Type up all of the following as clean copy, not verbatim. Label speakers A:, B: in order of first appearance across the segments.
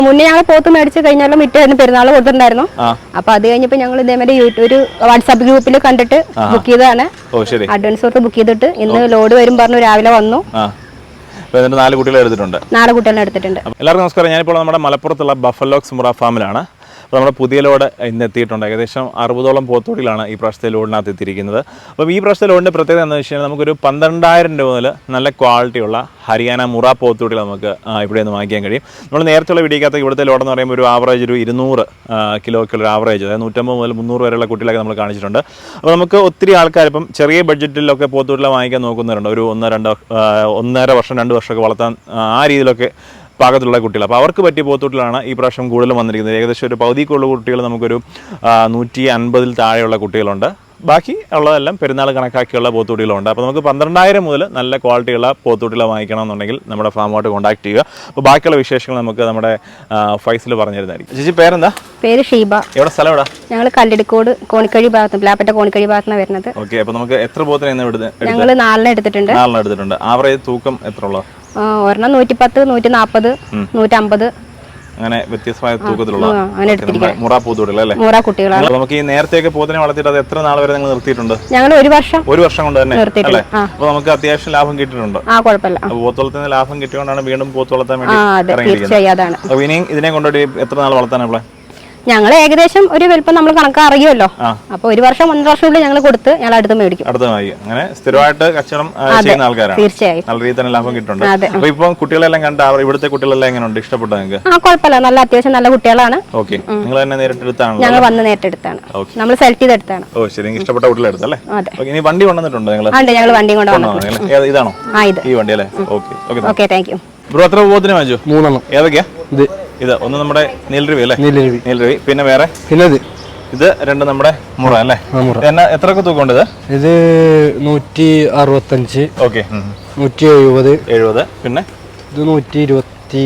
A: മുന്നേ ഞങ്ങൾ പോത്ത് മേടിച്ച് കഴിഞ്ഞാലും മിറ്റായിരുന്നു പെരുന്നാൾ കൊടുത്തിട്ടുണ്ടായിരുന്നു. അപ്പൊ അത് കഴിഞ്ഞപ്പോ ഞങ്ങൾ ഇതേമാതിരി ഒരു വാട്സാപ്പ് ഗ്രൂപ്പിൽ കണ്ടിട്ട് ബുക്ക് ചെയ്തതാണ്. അഡ്വാൻസ് കൊടുത്ത് ബുക്ക് ചെയ്തിട്ട് ഇന്ന് ലോഡ് വരും പറഞ്ഞു രാവിലെ വന്നു.
B: 4 കുട്ടികളെ എടുത്തിട്ടുണ്ട്.
A: 4 കുട്ടികളെ എടുത്തിട്ടുണ്ട്.
B: എല്ലാവർക്കും നമസ്കാരം. ഞാനിപ്പോൾ നമ്മുടെ മലപ്പുറത്തുള്ള ബഫലോക്സ് മുറ ഫാമിലാണ്. അപ്പോൾ നമ്മുടെ പുതിയ ലോഡ് ഇന്ന് എത്തിയിട്ടുണ്ട്. ഏകദേശം 60ഓളം പോത്തോടികളാണ് ഈ പ്രാവശ്യത്തെ ലോഡിനകത്ത് എത്തിയിരിക്കുന്നത്. അപ്പം ഈ പ്രാവശ്യത്തെ ലോഡിൻ്റെ പ്രത്യേകത എന്താണെന്ന് വെച്ച് കഴിഞ്ഞാൽ നമുക്കൊരു 12,000 രൂപ മുതൽ നല്ല ക്വാളിറ്റിയുള്ള ഹരിയാന മുറ പോത്തോടികൾ നമുക്ക് ഇവിടെ നിന്ന് വാങ്ങിക്കാൻ കഴിയും. നമ്മൾ നേരത്തെയുള്ള വീഡിയോക്കകത്ത് ഇവിടുത്തെ ലോഡെന്ന് പറയുമ്പോൾ ഒരു ആവറേജ് ഒരു 200 കിലോയ്ക്കുള്ള ആവറേജ്, അതായത് 150 മുതൽ 300 വരെയുള്ള കുട്ടികളൊക്കെ നമ്മൾ കാണിച്ചിട്ടുണ്ട്. അപ്പോൾ നമുക്ക് ഒത്തിരി ആൾക്കാർ ഇപ്പം ചെറിയ ബഡ്ജറ്റിലൊക്കെ പോത്തോടികളെ വാങ്ങിക്കാൻ നോക്കുന്നവരുണ്ട്. ഒരു 1.5 വർഷം 2 വർഷമൊക്കെ വളർത്താൻ ആ രീതിയിലൊക്കെ പാകത്തിലുള്ള കുട്ടികൾ. അപ്പോൾ അവർക്ക് പറ്റിയ പോത്തൂട്ടിലാണ് ഈ പ്രാവശ്യം കൂടുതലും വന്നിരിക്കുന്നത്. ഏകദേശം ഒരു പകുതിക്കുള്ള കുട്ടികൾ നമുക്കൊരു 150 താഴെയുള്ള കുട്ടികളുണ്ട്. ബാക്കി ഉള്ളതെല്ലാം പെരുന്നാൾ കണക്കാക്കിയുള്ള പോത്തൂട്ടികളുണ്ട്. അപ്പോൾ നമുക്ക് 12,000 മുതൽ നല്ല ക്വാളിറ്റിയുള്ള പോത്തൂട്ടികളെ വാങ്ങിക്കണമെന്നുണ്ടെങ്കിൽ നമ്മുടെ ഫാമുമായിട്ട് കോൺടാക്ട് ചെയ്യുക. അപ്പോൾ ബാക്കിയുള്ള വിശേഷങ്ങൾ നമുക്ക് നമ്മുടെ ഫൈസൽ പറഞ്ഞു തരുന്നതായിരിക്കും. ചേച്ചി പേരെന്താ?
A: പേര് ഷീബ.
B: എവിടെ സ്ഥലം എവിടെ?
A: ഞങ്ങൾ കല്ലടിക്കോട് കോണിക്കഴി ഭാഗത്ത്, പ്ലാപ്പറ്റ കോണിക്കഴി ഭാഗത്താണ് വരുന്നത്.
B: ഓക്കെ. അപ്പോൾ നമുക്ക് എത്ര പോത്തിനെ
A: ഞങ്ങൾ 4 എടുത്തിട്ടുണ്ട്.
B: 4 എടുത്തിട്ടുണ്ട്. ആവറേജ് തൂക്കം എത്ര ഉള്ളത്?
A: ഒരെണ്ണം 110, 140, 150
B: അങ്ങനെ വ്യത്യസ്തമായ തൂക്കത്തിലുള്ള മുറ പോത്തുകൂടികളല്ലേ? നമുക്ക് ഈ നേരത്തെയൊക്കെ പോത്തിനെ വളർത്തിയിട്ട് അത് എത്ര നാൾ വരെ നിങ്ങൾ നിർത്തിയിട്ടുണ്ട്?
A: ഞങ്ങൾ 1 വർഷം
B: കൊണ്ട് തന്നെ അല്ലേ? അപ്പൊ നമുക്ക് അത്യാവശ്യം ലാഭം കിട്ടിയിട്ടുണ്ട്. പോത്തുവളത്തിന് ലാഭം കിട്ടിയോണ്ടാണ് വീണ്ടും പോത്ത് വളർത്താൻ വേണ്ടി ഇറങ്ങിയിരിക്കുന്നത്. അപ്പൊ ഇനിയും ഇതിനെ കൊണ്ടുപോയി എത്ര നാൾ വളർത്താനുള്ള?
A: ഞങ്ങൾ ഏകദേശം ഒരു വലിപ്പം നമ്മൾ കണക്ക് അറിയുമല്ലോ. അപ്പൊ 1 വർഷം 1.5 വർഷം ഞങ്ങൾ കൊടുത്ത് ഞങ്ങൾ അടുത്ത് മേടിക്കും.
B: അങ്ങനെ സ്ഥിരമായിട്ട് കച്ചവടം ചെയ്യുന്ന ആൾക്കാരാണ്.
A: തീർച്ചയായും
B: നല്ല രീതിയിൽ തന്നെ ലാഭം കിട്ടുന്നുണ്ട്. അപ്പൊ ഇപ്പൊ കുട്ടികളെല്ലാം കണ്ട ഇവിടുത്തെ കുട്ടികളെല്ലാം എങ്ങനെയുണ്ട്? ഇഷ്ടപ്പെട്ടോ നിങ്ങൾക്ക്?
A: കുഴപ്പമില്ല, നല്ല അത്യാവശ്യം നല്ല കുട്ടികളാണ്.
B: ഓക്കെ. നിങ്ങൾ തന്നെ നേരിട്ടെടുത്താണ്?
A: ഞങ്ങൾ വന്ന് നേരിട്ടെടുത്താണ്, നമ്മൾ സെലക്ട് ചെയ്തെടുത്താണ്.
B: ഓ ശരി. ഇഷ്ടപ്പെട്ട കുട്ടികളെടുത്തല്ലേ? ഇനി വണ്ടി കൊണ്ടുവന്നിട്ടുണ്ടോ നിങ്ങൾ?
A: ഞങ്ങൾ വണ്ടി കൊണ്ടുവന്നു.
B: ഇതാണോ ഈ വണ്ടി അല്ലേ?
A: Okay, thank you.
B: ബ്രോ എത്ര പോത്തിനെ വാങ്ങിച്ചു?
C: 3
B: ഏതൊക്കെയാ? ഇത് ഒന്ന് നമ്മുടെ നീലരവി അല്ലേ? നീലരവി. പിന്നെ വേറെ? ഇത് 2 നമ്മുടെ മുറ അല്ലേ? എത്രയൊക്കെ തൂക്കമുണ്ട് ഇത്?
C: ഇത് 165.
B: ഓക്കെ.
C: 170.
B: പിന്നെ
C: ഇത് 120.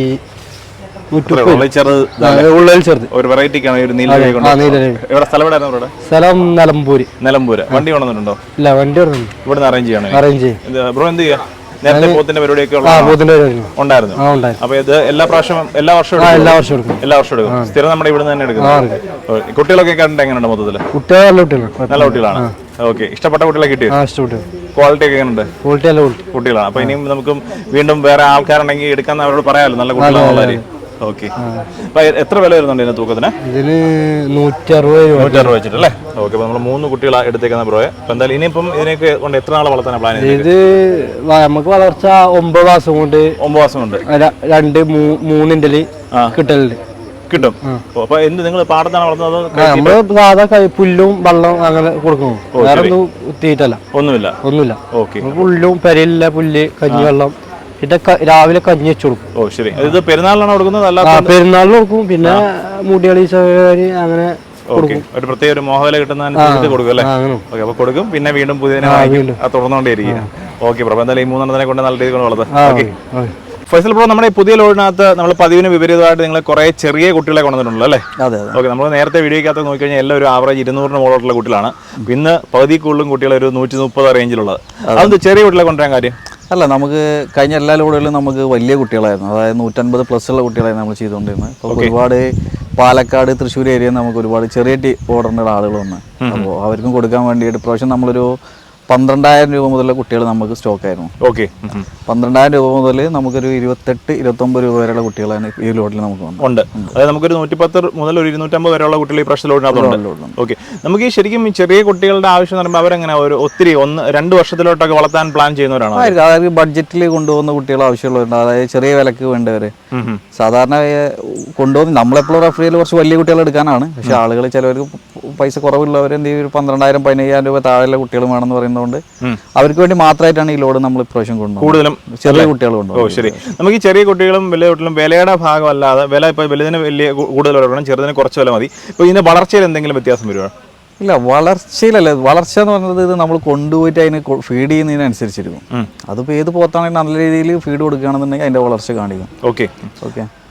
B: ചെറുത് ഒരു വെറൈറ്റിക്കാണ് ഒരു നീലരവി. ഇവിടെ സ്ഥലം എവിടെയായിരുന്നു? സ്ഥലം നിലമ്പൂര്. വണ്ടി കൊണ്ടുവന്നിട്ടുണ്ടോ?
C: ഇല്ല, വണ്ടി
B: ഇവിടുന്ന് അറേഞ്ച് ചെയ്യണം. ബ്രോ എന്ത് ചെയ്യാ? നേരത്തെ പോത്തിന്റെ പരിപാടിയൊക്കെ ഉണ്ടായിരുന്നു. അപ്പൊ ഇത് എല്ലാ വർഷവും എടുക്കും. സ്ഥിരം നമ്മുടെ ഇവിടെ തന്നെ എടുക്കുന്നത്. കുട്ടികളൊക്കെ കണ്ടിട്ട് എങ്ങനെയുണ്ട്? മൊത്തത്തില് നല്ല കുട്ടികളാണ്. ഓക്കെ. ഇഷ്ടപ്പെട്ട കുട്ടികളെ കിട്ടിയോ? ക്വാളിറ്റി ഒക്കെ എങ്ങനെയുണ്ട്? കുട്ടികളാണ്. അപ്പൊ ഇനിയും നമുക്ക് വീണ്ടും വേറെ ആൾക്കാരുണ്ടെങ്കിൽ എടുക്കാൻ അവരോട് പറയാമല്ലോ നല്ല കുട്ടികളാണ്. ഓക്കെ. അപ്പൊ എത്ര വില വരുന്നുണ്ട് ഇതിന് തൂക്കത്തിന്?
C: ഇതിന് 160
B: വെച്ചിട്ടല്ലേ? ഓക്കെ. അപ്പൊ നമ്മൾ 3 കുട്ടികളെ എടുത്തേക്കുന്ന ബ്രോയെ. അപ്പൊ എന്തായാലും ഇനിയിപ്പം ഇതിനൊക്കെ കൊണ്ട് എത്ര നാളെ വളർത്താൻ പ്ലാൻ ചെയ്തത്?
C: ഇത് നമുക്ക് വളർച്ച 9 മാസം കൊണ്ട് 2-3
B: കിട്ടും. അപ്പൊ എന്ത് നിങ്ങൾ പാടത്താണ് വളർത്തുന്നത്?
C: നമ്മള് സാധാ പുല്ലും വെള്ളം അങ്ങനെ കൊടുക്കുന്നു. വേറെ ഒന്നുമില്ല.
B: ഓക്കെ.
C: പുല്ലും പെരയില്ല പുല്ല്, കഞ്ഞിവെള്ളം, പിന്നെ രാവിലെ കഞ്ഞി വെച്ച് കൊടുക്കും.
B: ഓ ശരി. ഇത് പെരുന്നാളിനാണ് കൊടുക്കുന്നത്?
C: പെരുന്നാളിന് കൊടുക്കും. പിന്നെ മുടികളി അങ്ങനെ
B: ഒരു പ്രത്യേക ഒരു മോഹവില കിട്ടുന്ന കൊടുക്കും അല്ലേ? ഓക്കെ. അപ്പൊ കൊടുക്കും, പിന്നെ വീണ്ടും പുതിയതിനെ തുടർന്നുകൊണ്ടേയിരിക്കും. Okay bro. എന്തായാലും ഈ 3 കൊണ്ട് നല്ല രീതിയിൽ വളർത്താം. ഫൈസൽ ബ്രോ, നമ്മുടെ ഈ പുതിയ ലോഡിനകത്ത് നമ്മൾ പതിവിന് വിപരീതമായിട്ട് നിങ്ങൾ കുറെ ചെറിയ കുട്ടികളെ കൊണ്ടുവന്നിട്ടുണ്ടല്ലോ അല്ലേ? ഓക്കെ. നമ്മൾ നേരത്തെ വീഡിയോക്കകത്ത് നോക്കിക്കഴിഞ്ഞാൽ എല്ലാം ഒരു ആവറേജ് 200 മുകളിലുള്ള കുട്ടികളാണ്. ഇന്ന് പകുതി കൂടുതലും കുട്ടികൾ ഒരു 130 റേഞ്ചിലുള്ളത്. അതൊന്ന് ചെറിയ കുട്ടികളെ കൊണ്ടുവരാൻ കാര്യം?
D: അല്ല, നമുക്ക് കഴിഞ്ഞ എല്ലാ ലോഡുകളിലും നമുക്ക് വലിയ കുട്ടികളായിരുന്നു. അതായത് 150+ ഉള്ള കുട്ടികളായിരുന്നു നമ്മൾ ചെയ്തുകൊണ്ടിരുന്നത്. അപ്പോൾ ഒരുപാട് പാലക്കാട്, തൃശ്ശൂർ ഏരിയയിൽ നമുക്ക് ഒരുപാട് ചെറിയ ഓർഡറിൻ്റെ ആളുകൾ വന്ന്, അപ്പോൾ അവർക്കും കൊടുക്കാൻ വേണ്ടിയിട്ട് പ്രാവശ്യം നമ്മളൊരു 12,000 രൂപ മുതലുള്ള കുട്ടികൾ നമുക്ക് സ്റ്റോക്ക് ആയിരുന്നു.
B: ഓക്കെ.
D: 12,000 രൂപ മുതൽ നമുക്കൊരു 28-29 രൂപ വരെയുള്ള കുട്ടികളാണ് ഈ ലോഡിൽ നമുക്ക്
B: ഉണ്ട്. അതായത് നമുക്കൊരു 110 മുതൽ ഒരു 250 വരെയുള്ള കുട്ടികൾ ഈ പ്രാവശ്യം ലോഡിനകത്തുണ്ട്. ഓക്കെ. നമുക്ക് ഈ ശരിക്കും ഈ ചെറിയ കുട്ടികളുടെ ആവശ്യം എന്ന് പറയുമ്പോൾ അവരെങ്ങനെ ഒരു ഒത്തിരി 1-2 വർഷത്തിലോട്ടൊക്കെ വളർത്താൻ പ്ലാൻ ചെയ്യുന്നവരാണ്?
D: അതായത് ബഡ്ജറ്റിൽ കൊണ്ടുപോകുന്ന കുട്ടികൾ ആവശ്യമുള്ളവരുണ്ട്. അതായത് ചെറിയ വിലക്ക് വേണ്ടവര് സാധാരണ കൊണ്ടുപോകുന്ന നമ്മളെപ്പോഴും റെഫറിയിൽ കുറച്ച് വലിയ കുട്ടികൾ എടുക്കാനാണ്. പക്ഷെ ആളുകൾ ചിലവർക്ക് പൈസ കുറവുള്ളവർ എന്ത് ചെയ്യും, 12,000-15,000 രൂപ താഴെയുള്ള കുട്ടികൾ വേണമെന്ന് പറയുന്നതുകൊണ്ട് അവർക്ക് വേണ്ടി മാത്രമായിട്ടാണ് ഈ ലോഡ് നമ്മൾ ഇപ്രാവശ്യം കൊണ്ടുപോകുന്നത്. കൂടുതലും ചെറിയ കുട്ടികൾ കൊണ്ടുപോകും.
B: ശരി. നമുക്ക് ഈ ചെറിയ കുട്ടികളും വലിയ കുട്ടികളും വിലയുടെ ഭാഗമല്ലാതെ വില ഇപ്പോൾ വലുതിന് വലിയ കൂടുതൽ വരണം, ചെറുതിന് കുറച്ച് വില മതി. ഇപ്പോൾ ഇതിന്റെ വളർച്ചയിൽ എന്തെങ്കിലും വ്യത്യാസം വരുമോ?
D: ഇല്ല, വളർച്ചയിലല്ല. വളർച്ച എന്ന് പറയുന്നത് ഇത് നമ്മൾ കൊണ്ടുപോയിട്ട് അതിന് ഫീഡ് ചെയ്യുന്നതിനനുസരിച്ചിരിക്കും. അതിപ്പോൾ ഏത് പോത്താണെങ്കിൽ നല്ല രീതിയിൽ ഫീഡ് കൊടുക്കുകയാണെന്നുണ്ടെങ്കിൽ അതിന്റെ വളർച്ച കാണിക്കും.
B: ഓക്കെ.
D: ഓക്കെ.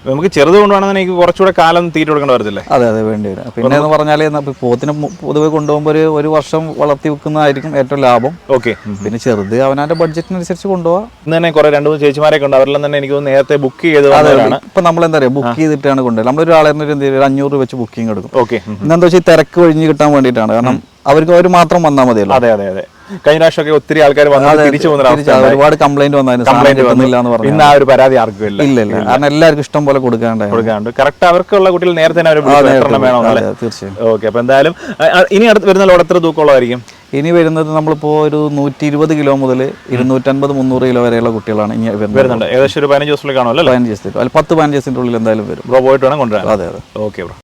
B: നമുക്ക് ചെറുത് കൊണ്ടുപോകണമെന്ന് എനിക്ക് കുറച്ചുകൂടെ കാലം തീറ്റ കൊടുക്കേണ്ടി വരത്തില്ലേ?
D: അതെ അതെ, വേണ്ടി വരും. പിന്നെ എന്ന് പറഞ്ഞാൽ പോത്തിനെ പൊതുവെ കൊണ്ടുപോകുമ്പോൾ ഒരു വർഷം വളർത്തി വെക്കുന്നതായിരിക്കും ഏറ്റവും ലാഭം.
B: ഓക്കെ.
D: പിന്നെ ചെറുത് അവനവന്റെ ബഡ്ജറ്റിനനുസരിച്ച് കൊണ്ടുപോകാം.
B: ഇന്ന് തന്നെ കുറെ 2-3 ചേച്ചിമാരൊക്കെ ഉണ്ട്, അവരെല്ലാം തന്നെ എനിക്ക് നേരത്തെ ബുക്ക് ചെയ്തതാണ്.
D: ഇപ്പൊ നമ്മൾ എന്താ പറയുക, ബുക്ക് ചെയ്തിട്ടാണ് കൊണ്ടുപോയത്. നമ്മളൊരാളെ ഒരു 500 വെച്ച് ബുക്കിംഗ് എടുക്കും.
B: ഓക്കെ.
D: ഇന്നെന്താ വെച്ചാൽ തിരക്ക് ഒഴിഞ്ഞ് കിട്ടാൻ വേണ്ടിയിട്ടാണ്. കാരണം അവർ മാത്രം വന്നാൽ മതിയല്ലോ.
B: അതെ അതെ അതെ. കഴിഞ്ഞ പ്രാവശ്യമൊക്കെ ഒത്തിരി ആൾക്കാർ തിരിച്ചു പോകുന്ന
D: ഒരുപാട് കംപ്ലൈന്റ് വന്നായിരുന്നു.
B: ഇന്ന് ആ ഒരു പരാതി ആർക്കും ഇല്ല.
D: ഇല്ല കാരണം എല്ലാവർക്കും ഇഷ്ടം പോലെ കൊടുക്കാണ്ട്
B: കറക്റ്റ് അവർക്കുള്ള കുട്ടികൾ നേരത്തെ വേണം.
D: തീർച്ചയായും.
B: ഓക്കെ. അപ്പൊ എന്തായാലും ഇനി അടുത്ത് വരുന്ന ലോഡ് എത്ര തൂക്കമുള്ളതായിരിക്കും?
D: ഇനി വരുന്നത് നമ്മളിപ്പോ ഒരു 120 കിലോ മുതൽ 250-300 കിലോ വരെയുള്ള കുട്ടികളാണ് ഇനി
B: വരുന്നുണ്ട്. ഏകദേശം ഒരു 15 ദിവസത്തിലേക്ക് കാണുമല്ലോ.
D: 15 ദിവസത്തിൽ 10-15 ദിവസത്തിന്റെ ഉള്ളിൽ എന്തായാലും വരും.
B: പോയിട്ട് വേണം കൊണ്ടുവരാൻ.
D: അതെ അതെ.
B: Okay bro.